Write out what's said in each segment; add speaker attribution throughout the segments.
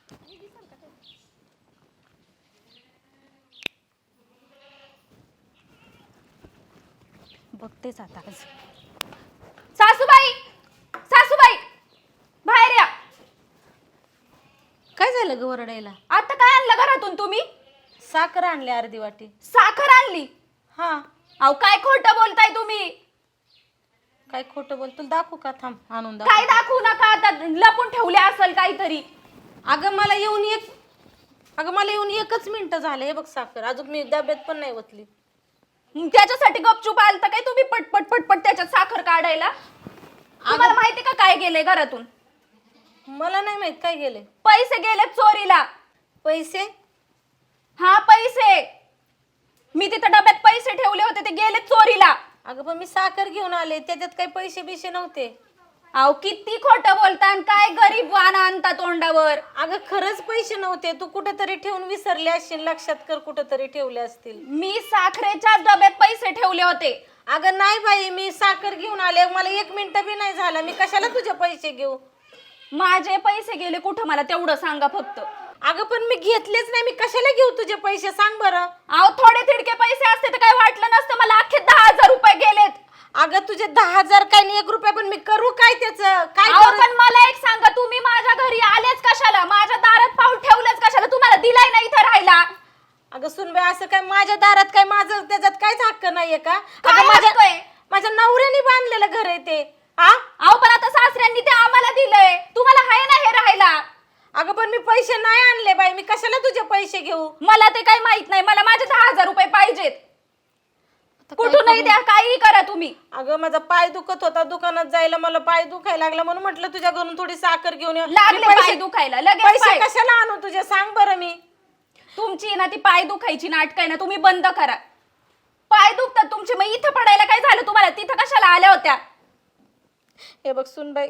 Speaker 1: बघतेच आता. सासूबाई, सासूबाई बाहेर या.
Speaker 2: काय झालं ग ओरडायला?
Speaker 1: आता काय आणलं घरातून तुम्ही?
Speaker 2: साखर आणली अर्धी वाटी.
Speaker 1: साखर आणली?
Speaker 2: हा.
Speaker 1: अहो काय खोटं बोलताय तुम्ही?
Speaker 2: काय खोटं बोल? तुला दाखवू का? थांब आणून
Speaker 1: काय दाखवू नका, आता लपून ठेवले असेल काहीतरी.
Speaker 2: अगं मला येऊन एकच मिनिट झाले. हे बघ साखर अजून मी डब्यात पण नाही ओतली.
Speaker 1: त्याच्यासाठी गपचूप आलता काय तुम्ही पटपट पटपट त्याच्यात साखर काढायला? तुम्हाला माहिती का काय गेले घरातून?
Speaker 2: मला नाही माहित काय गेले.
Speaker 1: पैसे गेले चोरीला.
Speaker 2: पैसे?
Speaker 1: हा पैसे. मी तिथं डब्यात पैसे ठेवले होते ते गेले चोरीला.
Speaker 2: अगं पण मी साखर घेऊन आले, त्याच्यात काही पैसे बिशे नव्हते.
Speaker 1: अहो किती खोटं बोलता आणि काय गरीब वाना आणता तोंडावर.
Speaker 2: अगं खरंच पैसे नव्हते. तू कुठेतरी ठेवून विसरले असशील. लक्षात कर, कुठेतरी ठेवले असतील.
Speaker 1: मी साखरेच्या डब्यात पैसे ठेवले होते.
Speaker 2: अगं नाही बाई, मी साखर घेऊन आले. मला 1 मिनिट बी नाही झाला. मी कशाला तुझे पैसे घेऊ?
Speaker 1: माझे पैसे गेले कुठं मला तेवढं सांगा फक्त.
Speaker 2: अगं पण मी घेतलेच नाही. मी कशाला घेऊ तुझे पैसे? सांग बरं.
Speaker 1: अहो थोडे तिडके पैसे असते तर काय वाटलं नसतं. मला अख्खे 10,000 रुपये गेलेत.
Speaker 2: अगं तुझे 10,000 काय नाही 1 रुपया, पण मी करू काय त्याचं? काय
Speaker 1: अहो पण मला एक सांगा, तुम्ही माझ्या घरी आलेच कशाला? माझ्या दारात पाऊल ठेवलंच कशाला? तुम्हाला दिलाय ना इथं राहायला?
Speaker 2: अगं सुनबाई, असं काय माझ्या दारात काय माझं त्याच्यात काहीच हक्क नाहीये का?
Speaker 1: काय
Speaker 2: अगं
Speaker 1: हक्क आहे?
Speaker 2: माझ्या नवऱ्याने बांधलेलं घर आहे ते. हा?
Speaker 1: अहो पण आता सासऱ्यांनी ते आम्हाला दिलंय. तुम्हाला हाय ना हे राहायला?
Speaker 2: अगं पण मी पैसे नाही आणले बाई. मी कशाला तुझे पैसे घेऊ?
Speaker 1: मला ते काही माहित नाही. मला माझे 10,000 रुपये पाहिजेत. कुठूनही द्या, काही करा तुम्ही.
Speaker 2: अगं माझा पाय दुखत होता, दुकानात जायला मला पाय दुखायला लागला, म्हणून म्हटलं तुझ्या घरून थोडी साखर घेऊन ये.
Speaker 1: लागले
Speaker 2: मी
Speaker 1: पाय दुखायला लगेच.
Speaker 2: पैसे
Speaker 1: पाय.
Speaker 2: कशाला आणू तुझे? सांग बरं. मी
Speaker 1: तुमची ना ती पाय दुखायची नाटक आहे ना, तुम्ही बंद करा. पाय दुखतात तुमचे, मग इथं पडायला काय झालं तुम्हाला? तिथं कशाला आल्या होत्या?
Speaker 2: हे बघ सुनबाई,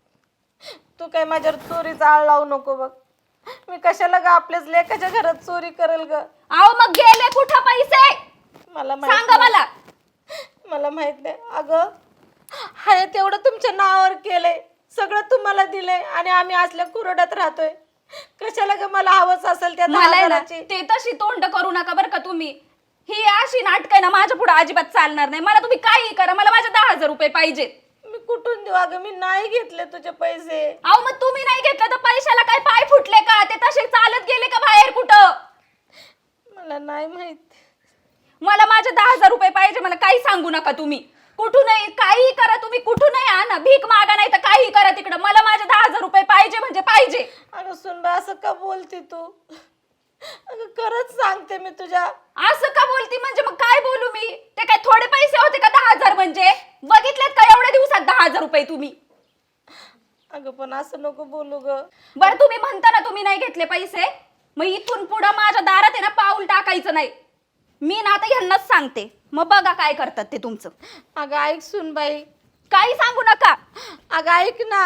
Speaker 2: तू काय माझ्यावर चोरीचा आळ लावू नको बघ. मी कशाला ग आपल्याच लेकाच्या घरात चोरी करेल ग?
Speaker 1: अहो मग गेले कुठं पैसे?
Speaker 2: मला
Speaker 1: सांगा मला.
Speaker 2: मला माहित नाही. अगं हाय तेवढं तुमच्या नावावर केलंय, सगळं तुम्हाला दिलंय, आणि आम्ही असल्या कुरड्यात राहतोय. कशाला ग मला हवंच असेल त्या
Speaker 1: मला आहे ना,
Speaker 2: 10,000ची?
Speaker 1: ते तशी तोंड करू नका बरं का तुम्ही. ही अशी नाटक आहे ना माझ्या पुढे अजिबात चालणार नाही. मला तुम्ही काही करा, मला माझे 10,000 रुपये पाहिजेत.
Speaker 2: मी कुठून देऊ? अगं मी नाही घेतले तुझे पैसे.
Speaker 1: अहो मग तुम्ही नाही घेतलं तर पैशाला काय पाय फुटले का? ते तसे चालत गेले का बाहेर कुठं?
Speaker 2: मला नाही माहित.
Speaker 1: मला माझे 10,000 रुपये पाहिजे. मला काही सांगू नका तुम्ही. कुठूनही काही करा तुम्ही, कुठूनही आणा, भीक मागा नाही तर काही करा तिकडं. मला माझे 10,000 रुपये पाहिजे म्हणजे पाहिजे.
Speaker 2: अगं सुनबाई, असं का बोलती तू? अगं खरंच सांगते मी तुझ्या.
Speaker 1: असं का बोलती म्हणजे? मग काय बोलू मी? ते काय थोडे पैसे होते का 10,000 म्हणजे? बघितलेत का एवढ्या दिवसात 10,000 रुपये तुम्ही?
Speaker 2: अगं पण असं नको बोलू ग.
Speaker 1: बरं तुम्ही म्हणता ना तुम्ही नाही घेतले पैसे, मग इथून पुढं माझ्या दारात आहे ना पाऊल टाकायचं नाही. मी ना आता ह्यांनाच सांगते, मग बघा काय करतात ते तुमचं.
Speaker 2: अगं ऐक सुनबाई.
Speaker 1: काही सांगू नका.
Speaker 2: अगं ऐक ना.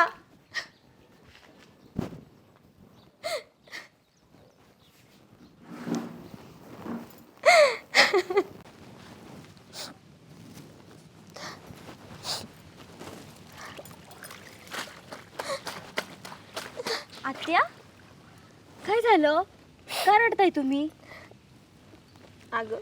Speaker 3: आत्या, काय झालं? का रडताय तुम्ही?
Speaker 2: अगं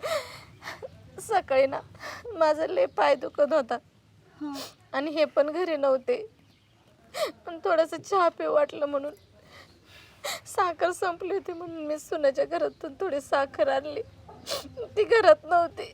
Speaker 2: सकाळी ना माझा लय पाय दुखत होता, आणि हे पण घरी नव्हते. पण थोडंसं चहा पिऊ वाटलं म्हणून साखर संपली होती, म्हणून मी सुनाच्या घरातून थोडी साखर आणली. ती घरात नव्हती.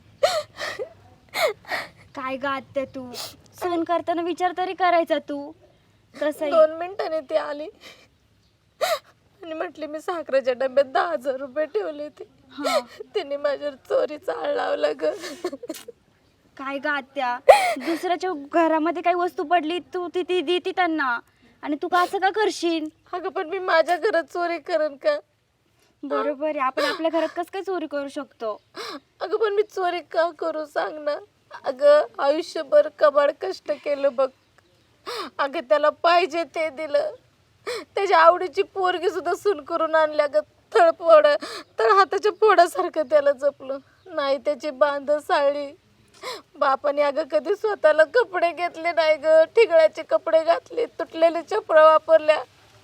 Speaker 3: काय ग आत्या, तू फोन करताना विचार तरी करायचा तू. कसं
Speaker 2: 2 मिनिटांनी ती आली आणि म्हटली मी साखरेच्या डब्यात 10,000 रुपये ठेवले ते. तिने माझ्यावर चोरीचा आळ लावला ग.
Speaker 3: काय ग आत्या, दुसऱ्याच्या घरामध्ये काही वस्तू पडली तू ती देती त्यांना, आणि तू का असं का करशील?
Speaker 2: अगं पण मी माझ्या घरात चोरी करेन का?
Speaker 3: बरोबर आहे, आपण आपल्या घरात कसं काय चोरी करू शकतो?
Speaker 2: अगं पण मी चोरी का करू सांग ना. अगं आयुष्यभर कबाड कष्ट केलं बघ. अगं त्याला पाहिजे ते दिलं. त्याच्या आवडीची पोरगी सुद्धा सून करून आणल्या ग. तळ हाताच्या फोडासारखं त्याला जपलं नाही. त्याची बांध साळली. बापाने अगं कधी स्वतःला कपडे घेतले नाही ग. ठिगळ्याचे कपडे घातले, तुटलेले चपळा वापरल्या.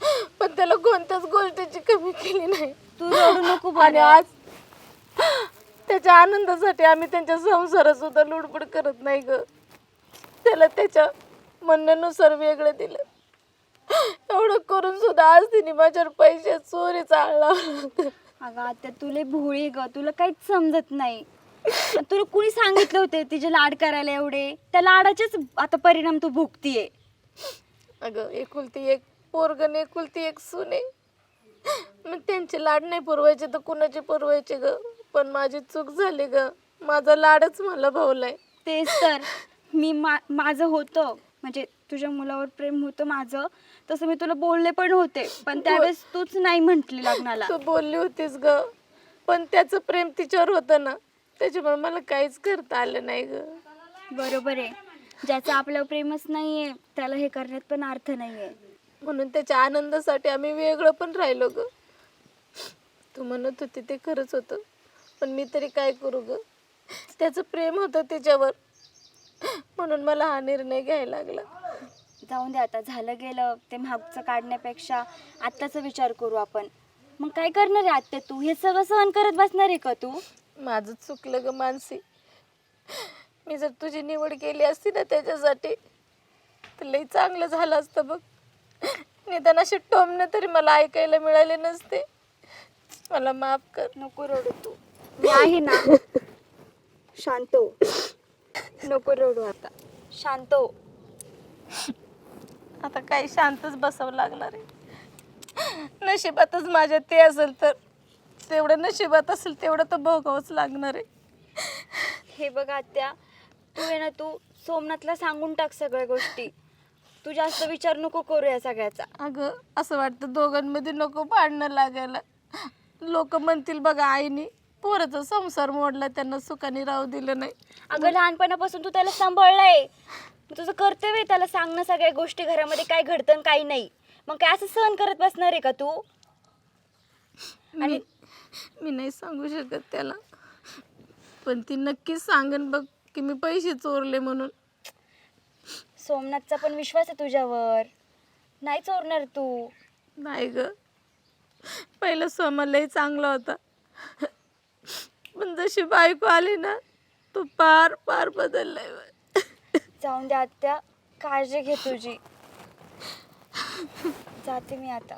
Speaker 2: पण त्याला कोणत्याच गोष्टीची कमी केली नाही.
Speaker 3: तू रडू नको
Speaker 2: आणि
Speaker 3: बरं.
Speaker 2: आज त्याच्या आनंदासाठी आम्ही त्यांच्या संसारात सुद्धा लुडबुड करत नाही ग. त्याला त्याच्या म्हणण्यानुसार वेगळं दिलं. एवढं करून सुद्धा आज तिने माझ्यावर पैसे चोरी चालला.
Speaker 3: अगं आता तुला भोळी ग, तुला काहीच समजत नाही. आणि तुला कुणी सांगितलं होते तिचे लाड करायला एवढे? त्या लाडाचेच आता परिणाम तू भोगतीये.
Speaker 2: अगं एकुलती एक पोरगण एकुलती एक सुने, मग त्यांचे लाड नाही पुरवायचे तर कुणाचे पुरवायचे ग. पण माझी चूक झाली ग, माझा लाडच मला भावलाय.
Speaker 3: तेच तर मी माझं होतं, म्हणजे तुझ्या मुलावर प्रेम होतं माझं, तसं मी तुला बोलले पण होते, पण त्यावेळेस तूच नाही म्हंटली लग्नाला.
Speaker 2: तू बोलली होतीस ग, पण त्याचं प्रेम तिच्यावर होतं ना, त्याच्यामुळे मला काहीच करता आलं नाही ग.
Speaker 3: बरोबर आहे, ज्याचं आपल्यावर प्रेमच नाहीये त्याला हे करण्यात पण अर्थ नाहीये.
Speaker 2: म्हणून त्याच्या आनंदासाठी आम्ही वेगळं पण राहिलो ग. तू म्हणत होती ते खरंच होतं, पण मी तरी काय करू ग. त्याचं प्रेम होतं तिच्यावर, म्हणून मला हा निर्णय घ्यायला लागला.
Speaker 3: जाऊन दे आता, झालं गेलं ते मागचं काढण्यापेक्षा आत्ताचा विचार करू आपण. मग काय करणार आहे आत्या तू? हे सगळं सहन करत बसणार आहे का तू?
Speaker 2: माझं चुकलं ग मानसी. मी जर तुझी निवड केली असती ना त्याच्यासाठी तर लई चांगलं झालं असतं बघ. निदान असे टोमणे तरी मला ऐकायला मिळाले नसते. मला माफ कर.
Speaker 3: नको रडू तू, मी आहे ना. शांत हो, नको रडू आता, शांत हो.
Speaker 2: आता काही शांतच बसावं लागणार आहे. नशिबातच माझ्या ते असेल तर तेवढं, नशिबात असेल तेवढं तर भोगावंच लागणार आहे.
Speaker 3: हे बघ आत्या, तू आहे ना, तू सोमनाथला सांगून टाक सगळ्या गोष्टी. तू जास्त विचार नको करू या सगळ्याचा.
Speaker 2: अगं असं वाटतं दोघांमध्ये नको भांडणं लागायला. लोक म्हणतील बघा आईने पोराचा संसार मोडला, त्यांना सुखाने राहू दिलं नाही.
Speaker 3: अगं लहानपणापासून तू त्याला सांभाळलाय, तुझं कर्तव्य आहे त्याला सांगणं सगळ्या गोष्टी, घरामध्ये काय घडतं आणि काय नाही. मग काय असं सहन करत बसणार आहे का तू?
Speaker 2: आणि मी नाही सांगू शकत त्याला, पण ती नक्कीच सांगन बघ की मी पैसे चोरले म्हणून.
Speaker 3: सोमनाथचा पण विश्वास आहे तुझ्यावर, नाही चोरणार तू.
Speaker 2: नाही ग, पहिलं सोमा लय चांगला होता, पण जशी बायको आली ना तो पार पार बदललाय.
Speaker 3: जाऊन दे आत्या, काळजी घे तुझी. जाते मी आता.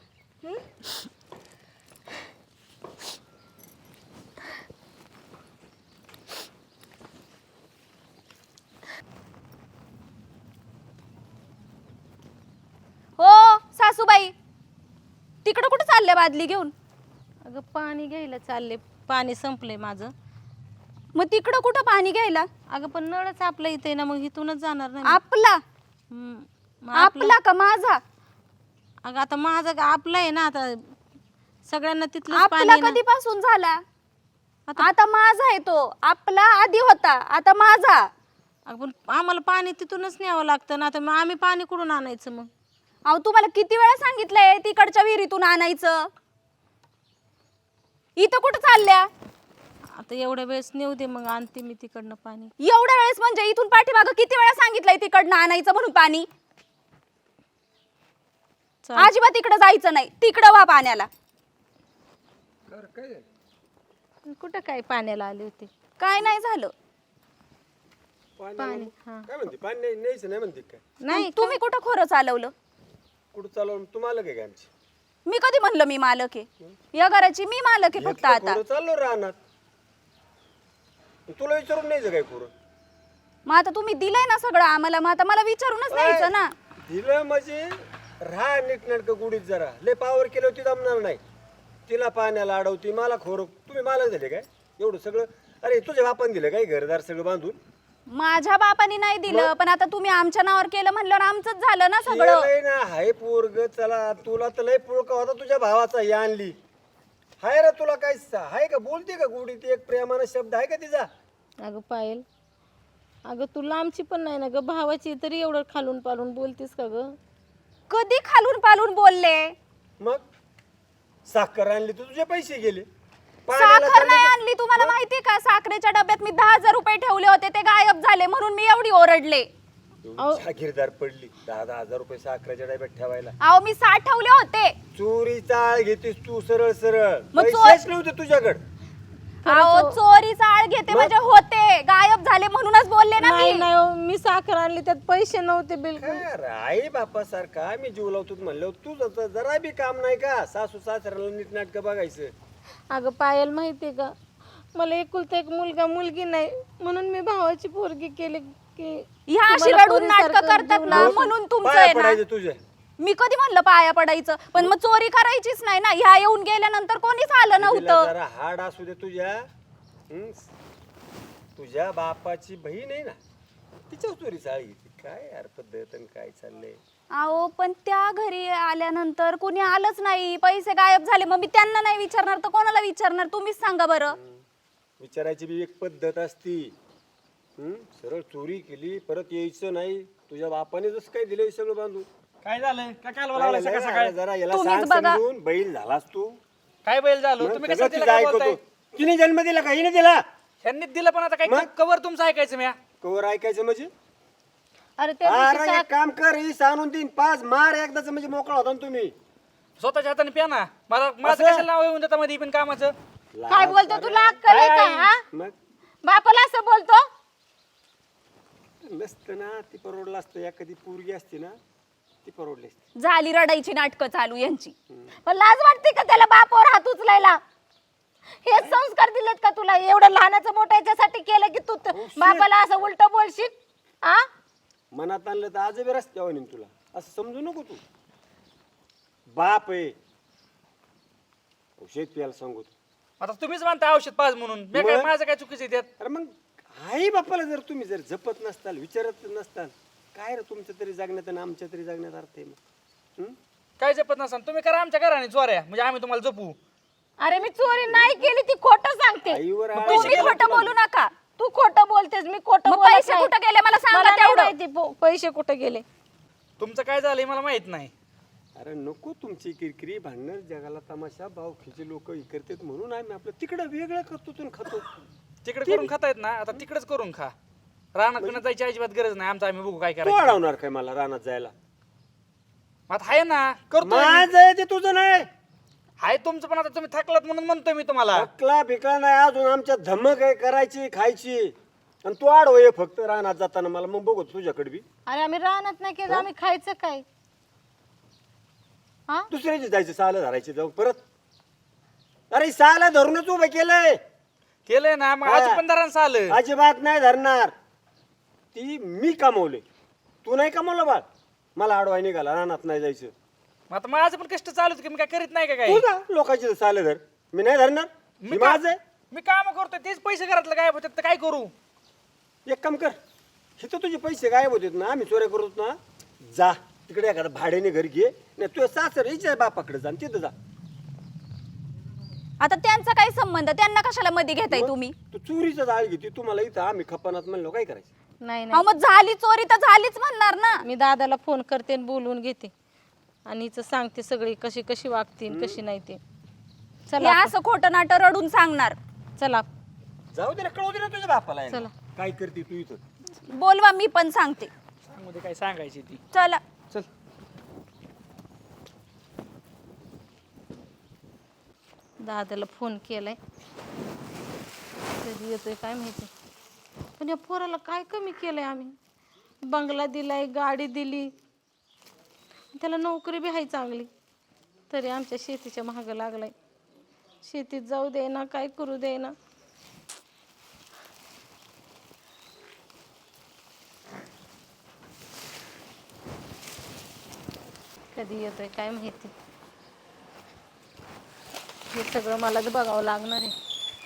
Speaker 1: हो सासूबाई, तिकडं कुठं चालल्या बादली घेऊन?
Speaker 4: अगं पाणी घ्यायला चालले, पाणी संपलंय माझं.
Speaker 1: मग तिकडं कुठं पाणी घ्यायला?
Speaker 4: अगं पण नळच आपल्या इथे आहे ना, मग इथूनच जाणार ना मी.
Speaker 1: आपला?
Speaker 4: मग
Speaker 1: आपला का माझा?
Speaker 4: अगं आता माझं आपलं आहे ना, आता सगळ्यांना तिथलं पाणी
Speaker 1: आपला
Speaker 4: आहे ना.
Speaker 1: कधीपासून झाला? आता माझा आहे तो. आपला आधी होता, आता माझा.
Speaker 4: अगं पण आम्हाला पाणी तिथूनच न्यावं लागतं ना, आता मग आम्ही पाणी कुठून आणायचं मग?
Speaker 1: अहो तुम्हाला किती वेळा सांगितलंय तिकडच्या विहिरीतून आणायचं. इथं कुठं चालल्या?
Speaker 4: आता एवढ्या वेळेस नेऊ दे, मग आणते मी तिकडनं पाणी.
Speaker 1: एवढ्या वेळेस म्हणजे इथून पाठीमागं किती वेळा सांगितलंय तिकडनं आणायचं म्हणून पाणी? अजिबात तिकडं जायचं नाही, तिकडं वा पाण्याला.
Speaker 4: कुठं काय पाण्याला आले होते?
Speaker 1: काय नाही झालं.
Speaker 4: पाणी हा
Speaker 5: काय म्हणते पाणी नाही न्यायचं नाही म्हणते काय?
Speaker 4: नाही.
Speaker 1: तुम्ही कुठं खोरं चालवलं?
Speaker 5: कुठं चालवून तुम्हाला काय काय आमची
Speaker 1: मी कधी म्हणलं मी मालक आहे? या घराची मी मालक आहे फक्त आता.
Speaker 5: चाललो राहणार. तुला विचारून न्यायचं काय खोरं?
Speaker 1: मग आता तुम्ही दिलंय ना सगळं आम्हाला, मग आता मला विचारूनच द्यायचं ना.
Speaker 5: दिलं म्हणजे राहा नीटनाटकं गुढीत जरा. लय पावर केलं होती जमणार नाही. तिला पाण्याला अडवती, मला खोरं. तुम्ही मालक झाले काय एवढं सगळं? अरे तुझ्या बापान दिलं काय घरदार सगळं बांधून?
Speaker 1: माझ्या बापाने नाही दिलं, पण आता तुम्ही आमच्या नावावर केलं म्हणल्यावर आमचंच झालं ना सगळं.
Speaker 5: लय ना हाय पोरग. चला तुला तर लय पुळका होता तुझ्या भावाचा, ही आणली हाय रे. तुला काय हाय का? बोलते का गुढीत एक प्रेमानं शब्द आहे का तिचा?
Speaker 4: अगं पायल, अगं तू लांबची पण नाही ना ग, भावाची, तरी एवढं खालून पालून बोलतीस का ग?
Speaker 1: कधी खालून पालून बोलले?
Speaker 5: मग साखर आणली तर तुझे पैसे गेले. पाण्याला
Speaker 1: साखर
Speaker 5: चालले
Speaker 1: नाही
Speaker 5: तर-
Speaker 1: आणली. तुम्हाला माहिती का, साखरेच्या डब्यात मी 10,000 रुपये ठेवले होते, ते गायब झाले म्हणून मी एवढी ओरडले.
Speaker 5: एवढी जागीरदार पडली 10,000 रुपये साखरेच्या डब्यात ठेवायला.
Speaker 1: अहो मी साठवले होते.
Speaker 5: चोरी चाळ घेतीस तू सरळ सरळ.
Speaker 1: मग
Speaker 5: पैसेच नव्हते तुझ्याकडे.
Speaker 1: अहो चोरी चाळ घेते म्हणजे होते, गायब झाले म्हणूनच बोलले ना
Speaker 4: नाही
Speaker 1: मी.
Speaker 4: नाही हो, मी साखर आणली त्यात पैसे नव्हते बिलकुल.
Speaker 5: आई बापा सारखा मी जीव लावतो म्हणलं तुझं जरा बी काम नाही का? सासू सासऱ्याला नीट नाटक बघायचं.
Speaker 4: अगं पायल माहितीये का, मला एकुलता एक मुलगा मुलगी नाही म्हणून मी भावाची पोरगी केली की
Speaker 1: ह्या अशी
Speaker 4: तुम्हाला
Speaker 1: रडून नाटक
Speaker 4: पोरीसारखं
Speaker 1: करतात
Speaker 4: जीव
Speaker 1: ना
Speaker 4: लावून-
Speaker 1: म्हणून तुमचं
Speaker 5: पाया
Speaker 1: आहे ना.
Speaker 5: पडायचं तुझ्या.
Speaker 1: मी कधी म्हणलं पाया पडायचं, पण मग चोरी करायचीच नाही ना. ह्या येऊन गेल्यानंतर कोणीच आलं
Speaker 5: तिला
Speaker 1: नव्हतं.
Speaker 5: जरा हाड असू दे तुझ्या. तुझ्या बापाची बहीण आहे ना, तिच्या चोरी चाळ घेते. काय यार पद्धत आणि काय चाललंय.
Speaker 1: अहो पण त्या घरी आल्यानंतर कोणी आलंच नाही, पैसे गायब झाले. मग मी त्यांना नाही विचारणार तर कोणाला विचारणार? तुम्हीच सांगा बरं.
Speaker 5: विचारायची बी एक पद्धत असती. सरळ चोरी केली परत यायचं नाही. तुझ्या बापाने जसं काय दिलंय सगळं बांधून.
Speaker 6: काय झालं काय काल
Speaker 5: काय
Speaker 6: बोलावलं
Speaker 5: झालं?
Speaker 6: सकाळ सकाळ
Speaker 5: अरे जरा याला
Speaker 1: तुम्हीच
Speaker 5: सांग
Speaker 1: बघा.
Speaker 5: समजून. बैल झालास तू.
Speaker 6: काय बैल झालो
Speaker 5: मग
Speaker 6: तुम्ही
Speaker 5: सगळं
Speaker 6: कसं
Speaker 5: तिचं
Speaker 6: तिला
Speaker 5: ऐकतो.
Speaker 6: बोलताय?
Speaker 5: तिने जन्म दिला का हिने दिला?
Speaker 6: ह्यांनी दिलं पण आता काय
Speaker 5: मग?
Speaker 6: कवर तुमचं ऐकायचं म्या.
Speaker 5: कवर ऐकायचं म्हणजे
Speaker 4: अरे त्या दिवशी
Speaker 5: अरे एक काम कर, ही आणून देईन 5 मार एकदाच म्हणजे मोकळा होता ना तुम्ही.
Speaker 6: स्वतःच्या हाताने प्या ना. मला माझं
Speaker 5: असं?
Speaker 6: कशाला नाव येऊन देता मध्ये पण कामाचं.
Speaker 2: काय बोलतो तुला अक्कल आहे का हा?
Speaker 5: मग
Speaker 2: बापाला असं बोलतो?
Speaker 5: नसतं ना, ती परवडलं असतं. एखादी पोरगी असती ना, ती परवडली असती.
Speaker 1: झाली रडायची नाटकं चालू यांची.
Speaker 2: पण लाज वाटते का त्याला बापावर हात उचलायला? हेच संस्कार दिलेत का तुला? एवढं लहानाचं मोठं याच्यासाठी केलं की तू बापाला असं उलट बोलशील? आ
Speaker 5: मनात आणलं तर आज बी रस्त्यावर नेईन तुला. असं समजू नको तू. बाप आहे औषध प्यायला सांगू तू.
Speaker 6: आता तुम्हीच म्हणता औषध पाज म्हणून. मी काय
Speaker 5: मग?
Speaker 6: माझं काय चुकीचं आहे त्यात?
Speaker 5: अरे मग आई बापाला जर तुम्ही जर जपत नसताल, विचारत नसताल, काय रे तुमच्या तरी जगण्यात आणि आमच्या तरी जगण्यात अर्थ आहे मग. हं?
Speaker 6: काय जपत नसा तुम्ही करा आमच्या घराने चोऱ्या म्हणजे आम्ही तुम्हाला जपू.
Speaker 2: अरे मी चोरी नाही केली, ती खोटं सांगते.
Speaker 5: आईवर आळ
Speaker 1: तुम्ही
Speaker 5: घाला
Speaker 1: खोटं
Speaker 5: तुला.
Speaker 1: बोलू नका.
Speaker 2: तू खोटं बोलतेस, मी खोटं
Speaker 1: मग
Speaker 2: बोलत
Speaker 1: पैसे
Speaker 2: नाही.
Speaker 1: कुठं गेले मला सांगा
Speaker 2: मला नाही
Speaker 1: तेवढं.
Speaker 2: माहिती पैसे कुठे गेले.
Speaker 6: तुमचं काय झालंय मला माहित नाही.
Speaker 5: अरे नको तुमची किरकिरी भांडणं. जगाला तमाशा भावखीचे लोक हे करतात म्हणून आम्ही आपलं तिकडं वेगळं करतो आणि खातो.
Speaker 6: तिकडे करून खाता येत ना, आता तिकडेच करून खा. रानात पिण्यात जायची अजिबात गरज नाही. आमचं आम्ही बघू काय
Speaker 5: तू
Speaker 6: करायचं.
Speaker 5: अडवणार काय मला रानात जायला?
Speaker 6: आता आहे ना करतो.
Speaker 5: माझं आहे ते तुझं नाही.
Speaker 6: आहे तुमचं पण आता तुम्ही थकलात म्हणून म्हणतोय मी तुम्हाला.
Speaker 5: अकला बिकला नाही अजून. आमच्या धमक आहे करायची खायची. आणि तू आडवं ये फक्त रानात जाताना मला. मग बघू तुझ्याकडे बी.
Speaker 2: अरे आम्ही राहणार नाही केलं, आम्ही खायचं काय? हा
Speaker 5: दुसऱ्याची जायचं साला धरायची जाऊन परत. अरे साला धरूनच उभं केलंय.
Speaker 6: केलंय ना मग आज पण दरांचं आलं.
Speaker 5: अजिबात नाही धरणार. ती मी कमवले, तू नाही कमवलं बाळ. मला आडवाय निघाला रानात नाही जायचं.
Speaker 6: मग आता माझं पण कष्ट चालूच की मी काय करीत नाही का काय.
Speaker 5: तू जा लोकांची साले धर. मी नाही धरणार. मी माझं आहे.
Speaker 6: मी काम करतोय तेच पैसे घरातलं गायब होतात तर काय करू.
Speaker 5: एक काम कर, इथं तुझे पैसे गायब होतात ना, आम्ही चोऱ्या करतो ना. जा तिकडे एखादं भाड्याने घर घे. नाही तुझ्या सासर हिच्या बापाकडे जा आणि तिथं जा.
Speaker 1: आता त्यांचा काय संबंध? त्यांना कशाला मध्ये घेताय तुम्ही?
Speaker 5: तू चोरीचं जाळ घेते. तुम्हाला इथं आम्ही खपानात म्हणलो काय करायचं?
Speaker 4: नाही
Speaker 1: अहो मग झाली चोरी तर झालीच म्हणणार ना.
Speaker 4: मी दादाला फोन करते आणि बोलवून घेते आणि हिचं सांगते सगळी कशी कशी वागते आणि कशी नाही ते.
Speaker 1: हे
Speaker 4: चला
Speaker 1: असं खोटं नाटं रडून सांगणार.
Speaker 4: चला
Speaker 5: जाऊ दे ना, कळू दे ना तुझ्या बापाला.
Speaker 4: चला.
Speaker 5: काय करते तू इथं?
Speaker 1: बोलवा मी पण सांगते.
Speaker 6: मध्ये काय सांगायची ती.
Speaker 1: चला.
Speaker 6: चल
Speaker 4: दादाला फोन केलाय, कधी येतोय काय माहिती. पण या पोराला काय कमी केलंय आम्ही? बंगला दिलाय, गाडी दिली, त्याला नोकरी बी आहे चांगली, तरी आमच्या शेतीच्या महाग लागलाय. शेतीत जाऊ दे ना, काय करू दे ना. कधी येतोय काय माहिती. हे सगळं मलाच बघावं लागणार आहे.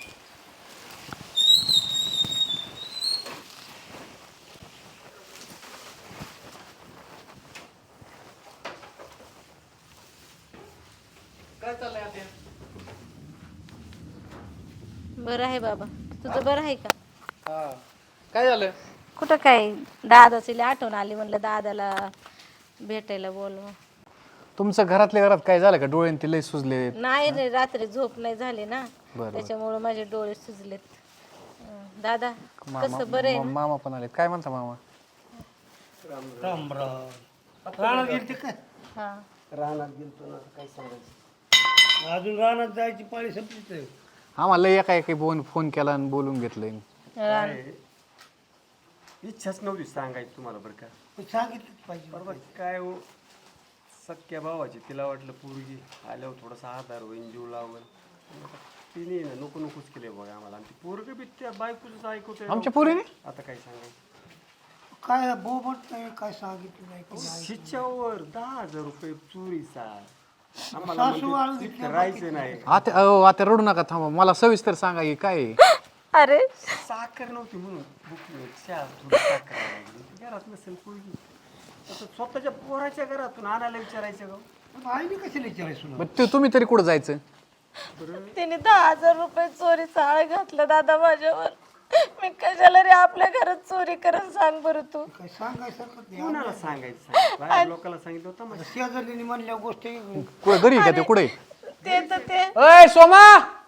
Speaker 4: बरं आहे बाबा, तुझं बरं आहे का?
Speaker 6: काय झालं?
Speaker 4: कुठं काय, दादाची लई आठवण आली, म्हणलं दादाला भेटायला बोलवा.
Speaker 7: तुमचं घरातल्या घरात काय झालं का? डोळे ते लय सुजले.
Speaker 4: नाही रे, रात्री झोप नाही झाली ना,
Speaker 7: बरं.
Speaker 4: त्याच्यामुळे माझे डोळे सुजलेत. दादा कसं बरं आहे ना?
Speaker 7: मामा पण आले. काय म्हणता मामा?
Speaker 8: राम राम रानात गेलते काय
Speaker 4: हा
Speaker 5: रानात गेलतो ना काय सांगायचं.
Speaker 8: अजून रानात जायची पाळी संपलीच आहे.
Speaker 7: आम्हाला एका एका फोन केला आणि बोलून घेतलंय.
Speaker 5: काय इच्छाच नव्हती सांगायची तुम्हाला बरं का.
Speaker 8: पण सांगितलंच पाहिजे.
Speaker 5: बरोबर काय हो सख्या भावाची तिला वाटलं पोरगी आल्यावर थोडासा आधार होईल जीव लावल. तिने ना नको नकोच केले बघा आम्हाला. आणि ती पोरग बी त्या बायकोच ऐकवते.
Speaker 7: आमच्या पोरीने
Speaker 5: आता काय सांगायचं.
Speaker 8: काय बोबट नाही काय सांगितलं नाही की नाही.
Speaker 5: शिच्यावर 10,000 रुपये चोरीचा. आम्हाला
Speaker 8: सासू वाळू
Speaker 5: म्हणजे
Speaker 8: घेतल्या
Speaker 5: करायचं नाही.
Speaker 7: आता रडू नका, थांबा, मला सविस्तर सांगा की काय आहे.
Speaker 2: अरे
Speaker 5: साखर नव्हती म्हणून भुकली. चहा थोडी साखर लागली. घरात नसेल पोरगी आता स्वतःच्या पोराच्या घरातून आणायला विचारायचं का.
Speaker 8: आईने कशाला विचारायचं
Speaker 7: मग तुम्ही तरी कुठं जायचं?
Speaker 2: तिने 10,000 रुपये चोरीचा आळ घातला दादा माझ्यावर. मी कशाला रे आपल्या घरात चोरी करत सांग बरं तू.
Speaker 8: काय सांगायसारखं नाही.
Speaker 5: कोणाला सांगायचं. बाहेर लोकांना सांगितलं होतं मग.
Speaker 8: शेजारीने म्हणल्या गोष्टी
Speaker 7: कुठं घरी आहे का ते? कुठे
Speaker 2: ते तर ते
Speaker 7: अय सोमा,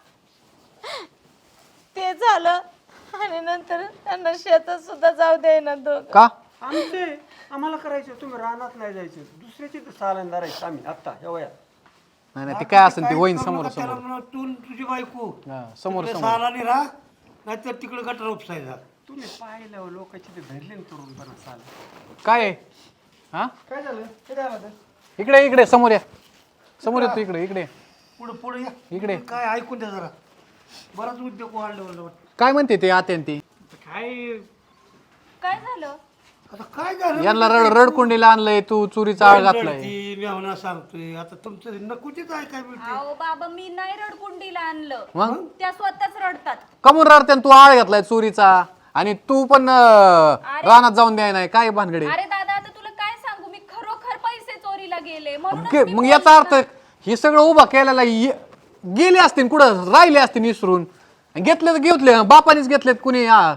Speaker 2: ते झालं आणि नंतर त्यांना शेतात सुद्धा जाऊ देईना दोघं.
Speaker 7: का?
Speaker 5: आमचे आम्हाला करायचं. तुम्ही रानात नाही जायचं. दुसऱ्याची तर सालन धरायचं आम्ही आता या वयात.
Speaker 7: नाही नाही, ते काय असेल ते होईन समोर
Speaker 8: त्याला
Speaker 7: समोर.
Speaker 8: म्हणा, तू न तुझी बायको
Speaker 7: हा, समोर
Speaker 8: तिकडे
Speaker 7: समोर.
Speaker 8: सालानी राहा नाहीतर तिकडे गटर उपसायचा.
Speaker 5: तुम्ही पाहिलं लोकांची ते धरले ना तरुणपणा साल.
Speaker 7: काय आहे? हा
Speaker 5: काय झालं ते काय झालं.
Speaker 7: इकडे इकडे समोर या. समोर येतो इकडे इकडे
Speaker 8: पुढे पुढे या
Speaker 7: इकडे.
Speaker 8: काय ऐकून द्या जरा. बराच उद्योग वाढले मला वाटतं.
Speaker 7: काय म्हणते ते आत्यान ती?
Speaker 6: काय
Speaker 1: काय झालं?
Speaker 8: आता काय झालं.
Speaker 7: यांना रडकुंडीला आणलंय, तू चोरीचा आळ घातलाय.
Speaker 8: ती मेहना सांगतोय आता तुमचं नकोचीच ऐकाय मिळते.
Speaker 1: अहो बाबा मी नाही रडकुंडीला आणलं.
Speaker 7: मग
Speaker 1: त्या स्वतःच रडतात.
Speaker 7: कमून रडत्यान? तू आळ घातलाय चोरीचा आणि तू पण रानात जाऊन द्याय नाही. काय भानगडे?
Speaker 1: अरे दादा आता तुला काय सांगू, मी खरोखर पैसे चोरीला गेले म्हणून
Speaker 7: मग याचा अर्थ हे सगळं उभा केलेला गेले असतील कुठं, राहिले असतील विसरून. घेतले तर घेतले, बापानेच घेतलेत कुणी. हा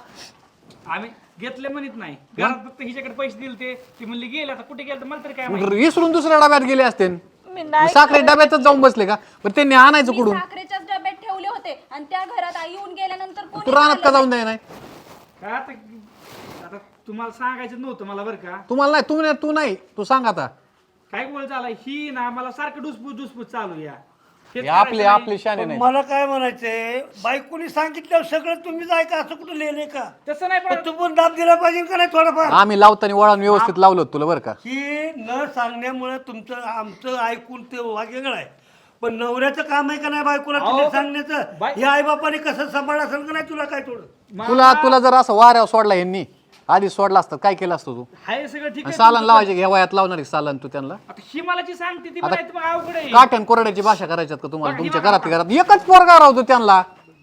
Speaker 6: आम्ही घेतले म्हणत नाही. घरात फक्त हिच्याकडे पैसे दिले ते ती म्हणली गेले. आता कुठे गेलं तर मला तरी काय माहिती.
Speaker 7: विसरून दुसऱ्या डब्यात गेले असते.
Speaker 2: मी नाही
Speaker 7: साखरे डब्यातच जाऊन बसले का? पण त्यांनी आणायचं
Speaker 1: मी
Speaker 7: कुठून?
Speaker 1: साखरेच्याच डब्यात ठेवले होते आणि त्या घरात आई येऊन गेल्यानंतर
Speaker 7: तू
Speaker 1: कोणी
Speaker 7: रानात का
Speaker 1: खाल्लं
Speaker 7: जाऊन द्याय नाही?
Speaker 6: काय आता आता तुम्हाला सांगायचं नव्हतं मला बरं का.
Speaker 7: तुम्हाला नाही, तू नाही, तू सांग आता.
Speaker 6: काय बोल झाला ही ना मला सारखं डुसपूस चालू या. हेच
Speaker 7: हे आपले
Speaker 6: करायचं
Speaker 7: आपले शाने
Speaker 8: पण
Speaker 7: नाही.
Speaker 8: मला काय म्हणायचंय, बायकोनी सांगितलं सगळं तुम्हीच ऐका असं कुठं लिहिलंय का.
Speaker 6: नाही. तसं नाही
Speaker 8: पण
Speaker 6: पण
Speaker 8: तू पण दाब दिला पाहिजे का नाही थोडाफार.
Speaker 7: आम्ही लावताना वळण व्यवस्थित लावलं होतं तुला बरं का.
Speaker 8: ही न सांगण्यामुळे तुमचं आमचं ऐकून ते वेगळं आहे. पण नवऱ्याचं काम आहे का नाही बायकोला
Speaker 6: अहो,
Speaker 8: तुम्ही
Speaker 6: पण
Speaker 8: सांगण्याचं.
Speaker 6: बाय-
Speaker 8: हे आई बापाने कसं सांभाळ असेल का नाही तुला काय थोडं.
Speaker 7: तुला जर असं वाऱ्यावर सोडला यांनी, आधी सोडला असतं काय केलं असतं तू?
Speaker 6: हाय सगळं ठीक
Speaker 7: आणि
Speaker 6: आहे.
Speaker 7: सालन लावायचे घ्या वयात लावणार आहे सालन तू त्यांना.
Speaker 6: आता ही मला जी सांगते ती
Speaker 7: आता
Speaker 6: मला मग अवघड आहे.
Speaker 7: काठ्यान कोरड्याची भाषा करायच्यात का तुम्हाला? तुमच्या घरात एकच पोरगा राहतो त्यांना.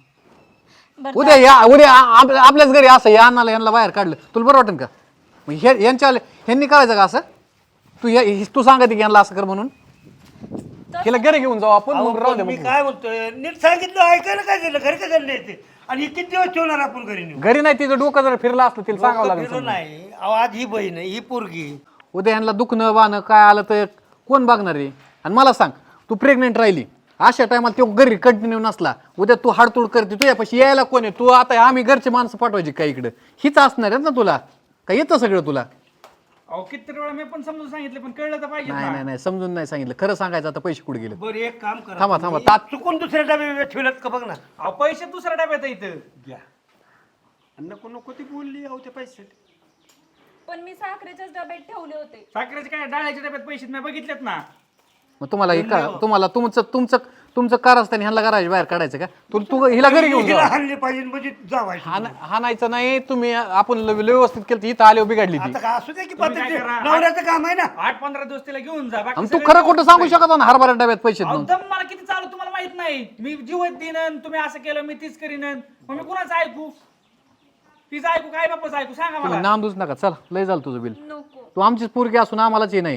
Speaker 7: उद्या आपल्याच घरी असं या अन्नाला यांना बाहेर काढलं तुला बरं वाटेल का? मग ह्यांनी करायचं का असं? तू सांगते की यांना असं कर म्हणून. हिला घरी घेऊन जाऊ आपण, मग राहू दे.
Speaker 8: मी
Speaker 7: मग
Speaker 8: काय म्हणतोय, नीट सांगितलं ऐकायला काय झालं. घरी काय झालं नाही ते. आणि हे किती दिवस ठेवणार आपण घरी नेऊन.
Speaker 7: घरी नाही, तिचं डोकं जर फिरलं असतं तिला सांगावं लागेल
Speaker 8: फिरलं
Speaker 7: समजून.
Speaker 8: नाही. अहो, आज ही बहीण आहे, ही पोरगी.
Speaker 7: उद्या यांना दुखणं बाणं काय आलं तर कोण बघणार आहे? आणि मला सांग, तू प्रेग्नेंट राहिली अशा टायमाला तो घरी कंटिन्यू नसला, उद्या तू हाडतूड करते, तुझ्यापाशी यायला कोण आहे? तू आता आम्ही घरचे माणसं पाठवायची काय इकडं? हीच असणार आहे ना तुला? काय येतं सगळं तुला?
Speaker 6: अहो किती वेळा मी पण समजून सांगितलं पण कळलं तर पाहिजे
Speaker 7: नाही
Speaker 6: ना.
Speaker 7: नाही नाही, समजून नाही सांगितलं. खरं सांगायचं आता पैसे कुठे गेले?
Speaker 8: बरं एक काम करा,
Speaker 7: थांबा,
Speaker 8: तुम्ही
Speaker 7: तात-
Speaker 8: चुकून दुसऱ्या डबे ठेवल्यात का बघ ना.
Speaker 6: अहो पैसे दुसऱ्या डब्यात इथं
Speaker 5: घ्या. आणि नको नको ती बोलली अहो त्या पैसे.
Speaker 1: पण मी साखरेच्याच डब्यात ठेवले होते.
Speaker 6: साखरेचे काय डाळ्याच्या डब्यात पैसे मी बघितलेत ना.
Speaker 7: मग तुम्हाला तुमचं कार असताना ह्यांना घराच्या बाहेर काढायचं का? तू हिला घरी घेऊन
Speaker 8: हिला
Speaker 7: जा.
Speaker 8: हाणले पाहिजे म्हणजे जावायचं.
Speaker 7: हाणायचं नाही तुम्ही. आपण व्यवस्थित केलं, इथं आल्यावर बिघडली ती.
Speaker 8: आता का असू दे की
Speaker 6: तुम्ही काय
Speaker 8: पद्धती
Speaker 6: करा?
Speaker 8: नवऱ्याचं काम आहे ना.
Speaker 6: 8-15 दिवस तिला घेऊन जा. बाकी
Speaker 7: आणि तू
Speaker 6: सगळं
Speaker 7: खरं खोटं सांगू शकत ना हरभरा डब्यात पैसे
Speaker 6: अहो,
Speaker 7: देऊन?
Speaker 6: दम मला किती चालू तुम्हाला माहित नाही. मी जीवत देईन, तुम्ही असं केलं मी तीच करीन. मग मी कुणाचं ऐकू? तिचं ऐकू काय बापाचं ऐकू सांगा मला.
Speaker 7: नाम दूच नका. चला, लय झालं तुझं बिल.
Speaker 1: नको.
Speaker 7: तू आमचीच पोरगी असून आम्हालाच हे नाही.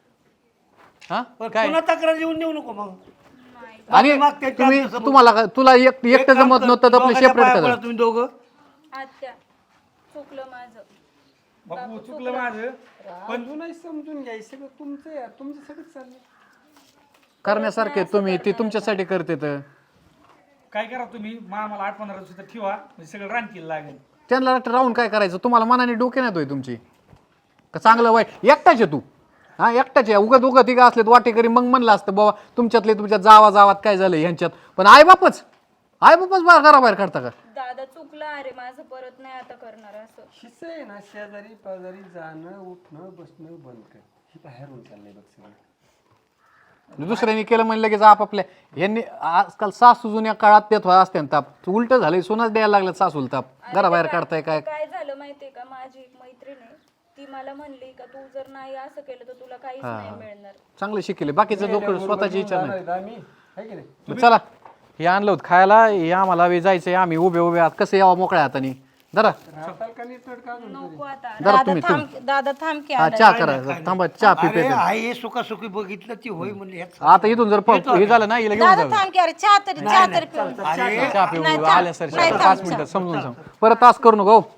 Speaker 7: हा
Speaker 8: पण
Speaker 7: काय?
Speaker 8: पुन्हा तक्रार येऊन देऊ नको मग.
Speaker 7: आणि
Speaker 8: मग ते
Speaker 7: तुम्ही
Speaker 8: चालतं समोर.
Speaker 7: तुला एकटं जमत नव्हतं तर आपलं
Speaker 8: दोघांच्या
Speaker 7: सेपरेट
Speaker 8: पाया
Speaker 7: करा.
Speaker 8: पडा तुम्ही दोघं.
Speaker 1: आत्या चुकलं माझं.
Speaker 6: बापू चुकलं माझं.
Speaker 5: पण तू नाही समजून घ्यायचं सगळं तुमचं यार. तुमचं सगळं चाललं.
Speaker 7: करण्यासारखे तुम्ही ते तुमच्यासाठी करते तर
Speaker 6: काय करा तुम्ही मला 8-15 दिवस इथं ठेवा म्हणजे सगळं रानकीला लागेल.
Speaker 7: त्यांना राहून काय करायचं? तुम्हाला मनाने डोके नाही तुमची. का चांगलं वाईट एकटाच आहे तू हा एकटाच आहे उगत उगत तिघं असले वाटेकरी मग म्हणलं असतं बाबा तुमच्यातले तुमच्या जावात काय झालं ह्यांच्यात पण आई बापच घराबाहेर काढता का
Speaker 1: दादा चुकलं अरे माझं परत नाही आता करणार असं
Speaker 5: हिस्से आहे ना शेजारी पाजारी जाणं उठणं बसणं बंद कर ही बाहेरून चाललंय बघ सगळं
Speaker 7: दुसऱ्यांनी केलं म्हणलं लगेच आपापल्या यांनी आजकाल सासू जुन्या काळात देत असते ताप उलट झालंय सोनाच द्यायला लागलं सासूला ताप घराबाहेर काढताय काय
Speaker 1: काय झालं माहितीये का माझी एक मैत्रीण आहे ती मला म्हणली का तू जर नाही असं केलं तर तुला काहीच नाही मिळणार
Speaker 7: चांगले शिकले बाकीचं लोक स्वतःची इच्छा नाही
Speaker 5: आम्ही आहे की नाही
Speaker 7: मग चला हे आणलं होतं खायला हे आम्हाला हवे जायचंय आम्ही उभे उभे आहात कसं यावं मोकळ्या हाताने जरा
Speaker 5: राहताल का नीट का
Speaker 1: नको आता
Speaker 7: जरा तुम्ही
Speaker 4: दादा थांब की
Speaker 7: हा चहा करा थांबा चहा
Speaker 8: अरे
Speaker 7: पिपे
Speaker 8: आई हे सुखासुखी बघितलं ती होय म्हणली ह्यात
Speaker 7: आता इथून जर हे झालं ना हिला घेऊन
Speaker 4: दादा
Speaker 7: जाऊ
Speaker 4: थांब की अरे चहा तरी पिऊ
Speaker 7: चहा पिऊ आल्या सर 5 मिनिटं समजून सांग परत तास करू नको